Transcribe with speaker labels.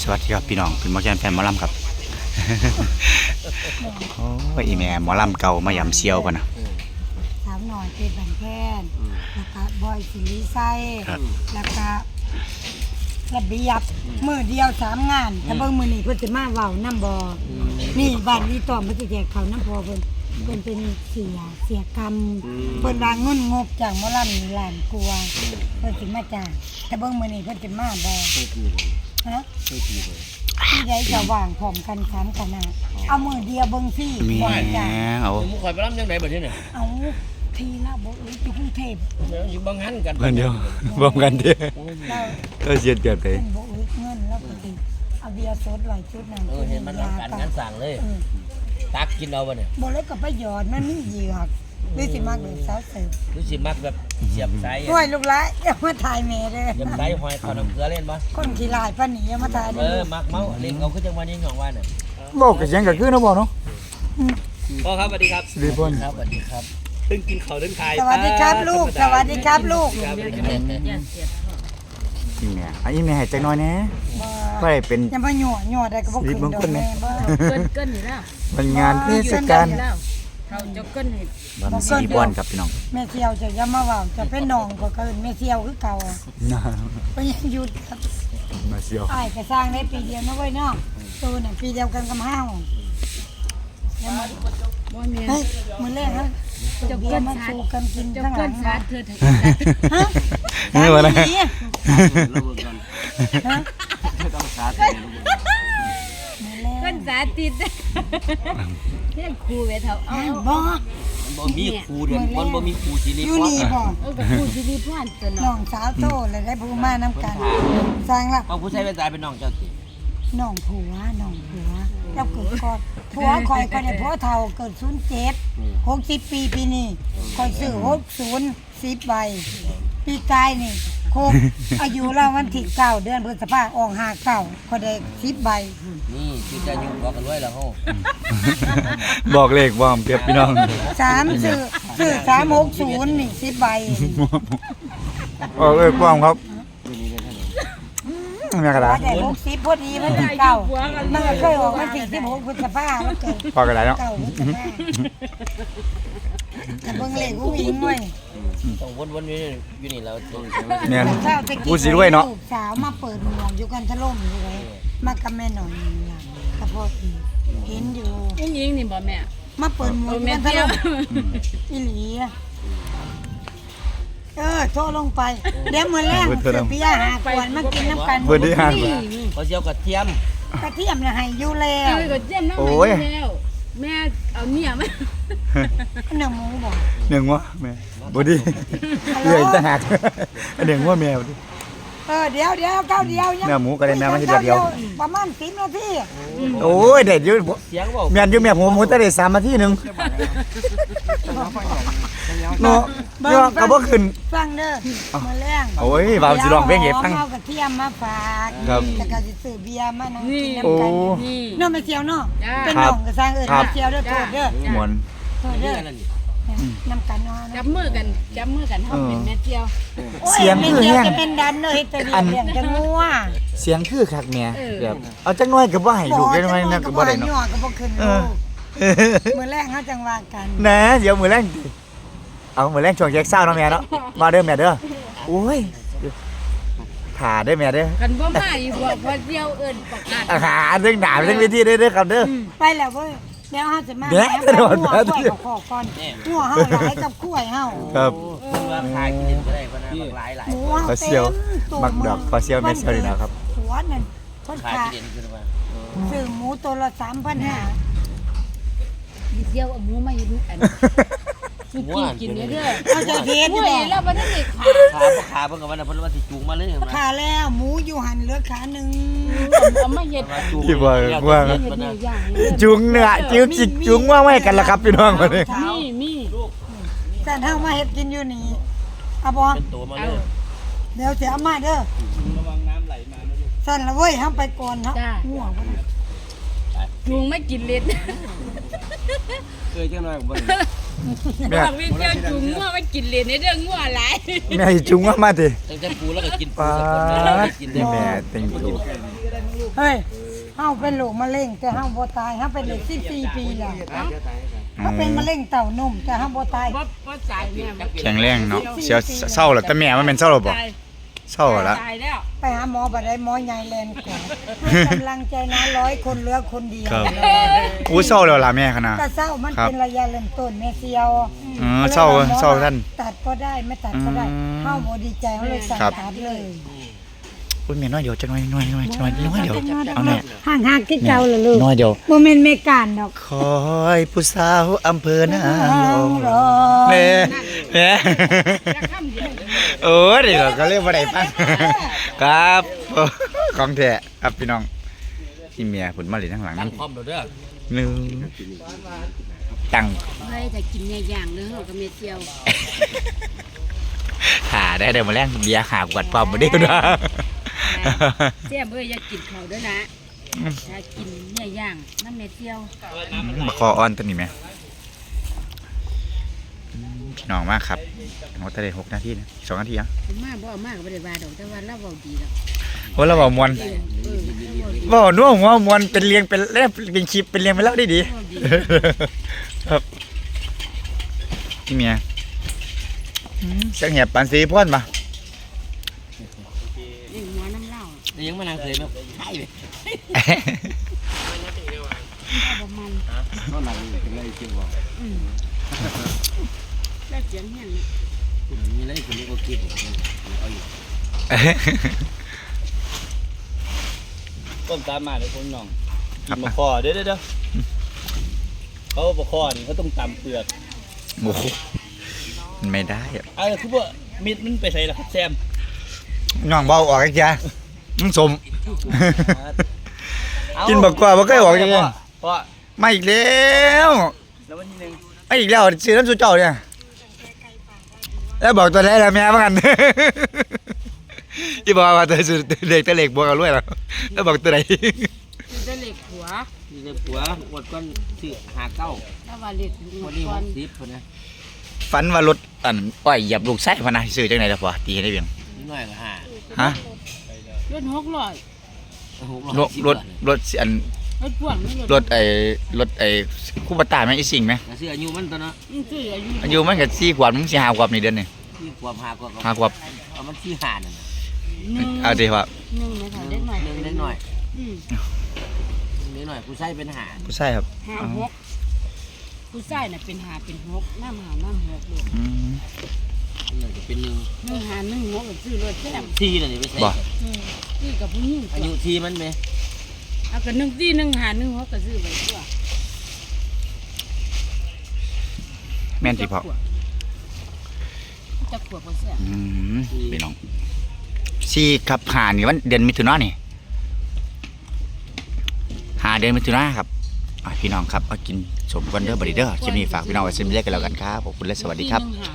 Speaker 1: สวัสดีครับพี่น้องเป็นหมอแคนแฟนหมอลำครับโอ้ยอีแม่หมอลำเก่ามายำเซียวป่ะนะ
Speaker 2: สาวหน่อยเป็นบันแค้นแล้วก็บอยสิริไซแล้วก็ระเบียบมือเดียว3 งานแต่เบิ่งมือนี่เพิ่นสิมาเว้าน้ำบ่นี่บ้านนี้ต่อมาสิแจกเขาน้ำพอเพิ่นเป็นเสียกรรมเพิ่นวางเงินงบจากหมอลำนี่ล้านกว่าเพิ่นสิมาจ้างแต่เบิ่งมือนี่เพิ่นสิมาบ่ฮะที่ใดจะว่างพร้อมกัน3 คณะเอามือเดียวเบิ่งซี่บ่จ้าง
Speaker 1: เอา
Speaker 3: มึงคอยไปรับยังไงแบบนี้เนี่ย
Speaker 2: เอาทีละบ่อยู่กรุงเทพ
Speaker 3: อยู่บางหันกัน
Speaker 1: เพิ่นเดียวรวมกันเด้อก็เสียเปรียบไป
Speaker 2: เงินบ่อึดเงินแล้วก็สิเอาเบียร์สด100 ชุดนั่น
Speaker 3: เห็นมันการงานสั่งเลยตักกินเอาบ่เนี่ย
Speaker 2: บ่เลยก็ไปหยอดมันมีเหยือกหรือสิมักแบบสาวเสิร์ฟ
Speaker 3: รู้สิมักแบบเสียบไส้
Speaker 2: ห้วยลูกหลานอย่ามาถ่ายแม่เด้อ
Speaker 3: เสียบไส้หอยขอน้ำเกลือเล่นบ่
Speaker 2: คนขี้ลายปานนี้อย่ามาถ่ายเด้อ
Speaker 3: มักเมาเล่นเอาคือจังหวะนี้หยองว่าน่ะ
Speaker 1: บอกก็เสียงก็คือเนาะบ่เนาะ
Speaker 3: พ่อครับสวัสดีครับ
Speaker 1: สิริพล
Speaker 3: ครับสวัสดีครับตึ้งกินข้าวตึ้งทาย
Speaker 2: สวัสดีครับลูกสวัสดีครับลูก
Speaker 1: อีแม่อีแม่ให้จักหน่อยแหน่ก็ได้เป็น
Speaker 2: อย่ามาหยั่วได้ก็บ่ขึ้นดอกแม่บ่
Speaker 4: เกินอยู่แล้ว
Speaker 1: มันงานเทศกาล
Speaker 4: เขาจะเกินให้
Speaker 1: วันสิริพลครับพี่น้อง
Speaker 2: แม่เที่ยวจะอย่ามาเว้าจะเป็นน้องก็เกินแม่เที่ยวคือเก่าก็ยังหยุดครับ
Speaker 1: มาเซียว
Speaker 2: อ้ายก็สร้างได้ปีเดียวนะเว้ยเนาะตูน่ะปีเดียวกันกับเฮาอย่ามา
Speaker 4: บ่แม่น
Speaker 2: เฮ้ยมื้อแรกฮะจะเบียร์มาสู่กันกินทั้งหลัง
Speaker 4: สาดเถิด
Speaker 2: ฮะ
Speaker 1: นี่ว่าไง
Speaker 2: ฮะ
Speaker 3: ต้องสาด
Speaker 4: เกินสาติดเรียกครูไปเถอะเอา
Speaker 2: บ่
Speaker 3: บ่มีครูเดือนมันบ่มีครูสิริพร
Speaker 2: อยู่นี่บ่
Speaker 4: กับครูสิริพรตัว
Speaker 2: น้องสาวโตเลยได้ผู้มานํกันสร้างละ
Speaker 3: เอาผู้ชายเป็นตายเป็นน้องเจ้าสิ
Speaker 2: น้องผัวแล้วเกิดก่อนผัวข่อยก็ได้ผัวเฒ่าเกิด07 60 ปีปีนี้ข่อยซื้อ60 10 ใบปีกายนี่ครบอายุเราวันที่9 เดือนพฤษภาคมออก59ก็ได้10 ใบ
Speaker 3: นี่คือจะอยู่บอกกันไว้แล้วเฮา
Speaker 1: บอกเลขบ่เก็บพี่น้อง
Speaker 2: 3ซื้อ360นี่10 ใบ
Speaker 1: ออกเลยป้อมครับแม่กระดาษ
Speaker 2: ได้60พอดีมันถึง9มันเคยออกวันที่16พฤษภาคมมันเกิด
Speaker 1: พอกระดาษเนาะ
Speaker 2: แต่เบิ่งเลขกูอิงเว้ย
Speaker 3: ต้องวนๆอยู่นี่แล้ว
Speaker 1: แม่นกูสิรวยเนาะ
Speaker 2: สาวมาเปิดหมวกอยู่กันทะล่มอยู่ไว้มากับแม่หน่อยล่ะกับพ่ออีเห็นอยู่
Speaker 4: ยิงนี่บ่แม่
Speaker 2: มาเปิดหมวกกันทะล่มอีหลีโทรลงไปเดี๋ยวมื้อแรกซื้อเบียร์5 ขวดมากินน้ำกัน
Speaker 1: มื้อที่5
Speaker 3: เขาสิเอากระเทียม
Speaker 2: น่ะให้อยู่แล้ว
Speaker 4: กระเทียมน้ำให้แล้วแม่เอาเนี่ยมา
Speaker 2: เนื้อหมูบ่
Speaker 1: เนื้องัวแม่บ่ดีเลื่อยตะหักเนื้องัวแม่บ่ดี
Speaker 2: เดี๋ยวก้าวเดียว
Speaker 1: เนื้อหมูก็ได้แม่มาทีเดียว
Speaker 2: ประมาณ10 นาที
Speaker 1: โอ้ยเด็ดอยู่
Speaker 3: เสียงบ่
Speaker 1: แม่นอยู่แม่หมูแต่ได้3 นาทีนึงเนาะเนาะก็บ่ขึ้น
Speaker 2: ฟังเด้อมื้อแรง
Speaker 1: โอ้ยว่าสิร้องเพลงให้ฟัง
Speaker 2: เอากระเทียมมาฝากแล้วก็สิซื้อเบียร์มานั่งกินน้ำกันเนาะแม่เสี่ยวเนาะเป็นน้องก็สร้างแม่เสี่ยวเด้อโทษเด้อ
Speaker 1: ม่วน
Speaker 2: โทษเด้อน้ำกันเนาะ
Speaker 4: จับมือกันเฮาเป็นแม่เจียว
Speaker 1: เสียงคือแฮง
Speaker 2: จะเป็นดันเด้อเฮ็ดตะเลียงจังงัว
Speaker 1: เสียงคือคักแม่แบบเอาจักหน่อยก็บ่ให้ลูกได้หน่อยนะก็บ่ได้เนาะ
Speaker 2: ก็บ่ขึ้นมื้อแรกเฮาจังว่ากัน
Speaker 1: นะเดี๋ยวมื้อแรงเอามื้อแรงช่วงแยกเช้าเนาะแม่เนาะมาเด้อแม่เด้อโอ้ยถ่าเด้อแม่เด้อ
Speaker 4: กันบ่มาอีกพอเจียวเอิ้นประกาศ
Speaker 1: เรื่องหนาเรื่องวิธีเด้อครับเด้อ
Speaker 2: ไปแล้วเว้ยเดี๋ยวเฮาจะมาหัวก่อนหัวเฮาหลายกับกล้วยเฮา
Speaker 1: ครับ
Speaker 3: ว่าขายกินก็ได้เพราะนะหลาย
Speaker 2: หมูเฮาเต็ม
Speaker 1: มักดอกปลาเซียวแม่เซียวนี่นะครับ
Speaker 2: หัวนั่นเพิ่นขายซื้อหมูตัวละ 3,500
Speaker 4: ดิเจียวเอาหมูมาให้ดูอันกินเด้อ
Speaker 2: เอาใจเฮ็ดอยู่
Speaker 4: แล้วบ่ได้
Speaker 3: ขาเพิ่นก็ว่าเพิ่นว่าสิจูงมาเลย
Speaker 2: ขาแล้วหมูอยู่หั่นเหลือขานึง
Speaker 4: เอามาเฮ็ด
Speaker 1: ที่ว่าจุงเนื้อจุงว่าไว้กันล่ะครับพี่น้องมื้อนี้
Speaker 4: มี
Speaker 2: สั่นเฮามาเฮ็ดกินอยู่นี่เอาบ่
Speaker 3: เป็นตัวมาเลย
Speaker 2: เดี๋ยวสิเอามาเด้อระวังน้ำไหลมานะลูกสั่นละเว้ยเฮาไปก่อนเนาะหัวบ่
Speaker 4: จุงไม่กินเล็ด
Speaker 3: เคยจังหน่อยบ่
Speaker 4: บอกวิเจียวจุงงัวไม่กินเล็ดในเรื่องงัวหลาย
Speaker 1: แม่จุงว่ามาติ
Speaker 3: ตั้งแต่ปูแล้วก็กินปู
Speaker 1: สักคนกินได้แม่เต็งตู
Speaker 2: เฮ้ยเฮาเป็นโรคมะเร็งแต่เฮาบ่ตายเฮาเป็นเด็ก14ปีแล้วเฮาเป็นมะเร็งเต้านมแต่เฮาบ่ตาย
Speaker 4: บ่จ่ายแม่
Speaker 1: แข็งแรงเนาะเสียเศร้าแล้วแต่แม่มันเป็นเศร้าหรอบ่เศร้าแล้ว
Speaker 4: ตายแล้ว
Speaker 2: ไปหาหมอบ่ได้หมอใหญ่แลนกว่าให้กำลังใจนะ100คนเหลือคนเดียว
Speaker 1: ครับอู้เศร้าแล้วล่ะแม่ขนาด
Speaker 2: ก็เศร้ามันเป็นระยะเริ่มต้นแม่เสียว
Speaker 1: เศร้าท่าน
Speaker 2: ตัดก็ได้ไม่ตัดก็ได้เฮาบ่ดีใจเฮาเลยสั่งตัดเลย
Speaker 1: อุ้ยแม่น้อยเดี๋ยวจะน้อยเดี๋ยวเอาแน่
Speaker 2: ห่างๆคือเก่าล่ะลูก
Speaker 1: น้อยเดี๋ยว
Speaker 2: บ่แม่นแม่การดอก
Speaker 1: คอยผู้สาวอำเภอนางรอง
Speaker 2: แม่
Speaker 1: แม่โอ้ยเดี๋ยวก็เรียกว่าไดฟังครับของแท้ครับพี่น้องที่เมียผลมาเลยทั้งหลัง
Speaker 3: ตั้
Speaker 1: นั่
Speaker 3: ง
Speaker 1: น
Speaker 3: พร้อมแล้วเด้อ
Speaker 1: หนึ่งตั้ง
Speaker 4: เฮ้ยแต่กินเนี่ยอย่างเด้อเฮากับแม่เจียว
Speaker 1: ถ่าได้เดี๋ยวมาแล้งเบียร์หาบกวดความมาเดียวนะ
Speaker 4: เจียมเอ้ยอย่ากินเขาด้วยนะถ้ากินเนี่ยอย่างน้ำแม่เจียว
Speaker 1: มาคออ้อนตัวนี้ไหมพี่น้องมากครับเขาแต่ได้6 นาทีนะ2 นาทีอ่ะ
Speaker 4: มาบ่เอามากก็บ่ได้ว่าดอกแต่ว่าเราเว้าดีดอก
Speaker 1: โอ้เราบอกมวนบอกนัวหัวมวนเป็นเรียงเป็นแลบเป็นคลิปเป็นเรียงไปแล้วได้ดีครับพี่เมียเสียงเหียบปานสีพ่นมา
Speaker 4: นี่หัวน้ำเหล้า
Speaker 3: นี่ยังมานั่งเคยมั้ยใช่เลย
Speaker 4: บ่มัน
Speaker 3: ก็นั่งเป็นไรจริงบ่
Speaker 4: แล้วเสียงเฮียน
Speaker 3: มีอะไรคนนี้ก็คิดเอาอยู่ต้มตามมาเลยคนน้องกินมะคอเด้อเขามะคอนี่เขาต้องตำเปลือก
Speaker 1: โอ้โหมันไม่ได้อะ
Speaker 3: คือว่ามิดมันไปใส่ละครับแซม
Speaker 1: น้องเบาออกอีกจ้ะมันสม กินบักกว่าบ่เคยออกจังเลย
Speaker 3: เพราะ
Speaker 1: มาอีกแล้ว
Speaker 3: แล้ววันที่หนึ่ง
Speaker 1: มาอีกแล้วซื้อน้ำสุเจ้าเนี่ยแล้วบอกตัวแรกแล้วแม่ว่ากัน ที่บอกว่าตัวสุดเด็กตัวเล็กบวกกันด้วยแล้วแล้วบอกตัวไหน
Speaker 4: คือได้เหล็กหัว
Speaker 3: นี่เลยผัวอดก้อนซื้อ59
Speaker 4: แล้วว่าเหล็กหัว
Speaker 3: วันนี้
Speaker 4: ก่อน
Speaker 3: 60คนนะ
Speaker 1: ฝันว่ารถอันอ้อยเหยียบลูกไส้พะนะซื้อจังไหนล่ะพ่อตีให้ได้เพียง
Speaker 3: นิดหน่อยก็5
Speaker 1: ฮะ
Speaker 4: รถ600
Speaker 1: รถอัน
Speaker 4: รถพ่วงนี่
Speaker 1: รถไอ้คู่ปตาแม่งอีสิงไหม
Speaker 3: ก็ซื้ออายุมันตัวเนาะ
Speaker 4: คืออายุ
Speaker 1: อายุมันก็4 ขวบมึงสิ5 ขวบนี่เดือนนี่
Speaker 3: ที่ความ5กว่า
Speaker 1: 5 ขวบ
Speaker 3: เอามันที่5นั่นน่ะ
Speaker 1: เอาดิว่า
Speaker 4: 1นะคะเด็กหน่อย
Speaker 3: นึงเล็กหน่อย
Speaker 4: อืม
Speaker 3: เล็กหน่อยผู้ชายเป็น5
Speaker 1: ผู้ชายครับ
Speaker 4: 5-6ผู้ชายน่ะเป็น5เป็น6น้ำ5น้ำ6ลูก
Speaker 1: อืม
Speaker 3: นี่จะเป็น1
Speaker 4: 1 5 1 6ก็ซื้อรถแท้ม
Speaker 3: ที่นั่นนี่ไปใส่
Speaker 1: บ่
Speaker 4: ซื้อกับผู้หญิง
Speaker 3: อายุที่มันไหม
Speaker 4: เอาก็1 4 1 5 1 6ก็ซื้อไปตัว
Speaker 1: แม่นสิพ่อ
Speaker 4: จะขวบบ่เสีย
Speaker 1: พี่น้อง4 กับ 5นี่วันเดือนมิถุนายนนี่5 เดือนมิถุนายนครับพี่น้องครับเอากินสมกันเด้อบัดนี้เด้อคลิปนี้ฝากพี่น้องไว้ซิมเล็กกันแล้วกันครับขอบคุณและสวัสดีครับ
Speaker 4: 4 1 5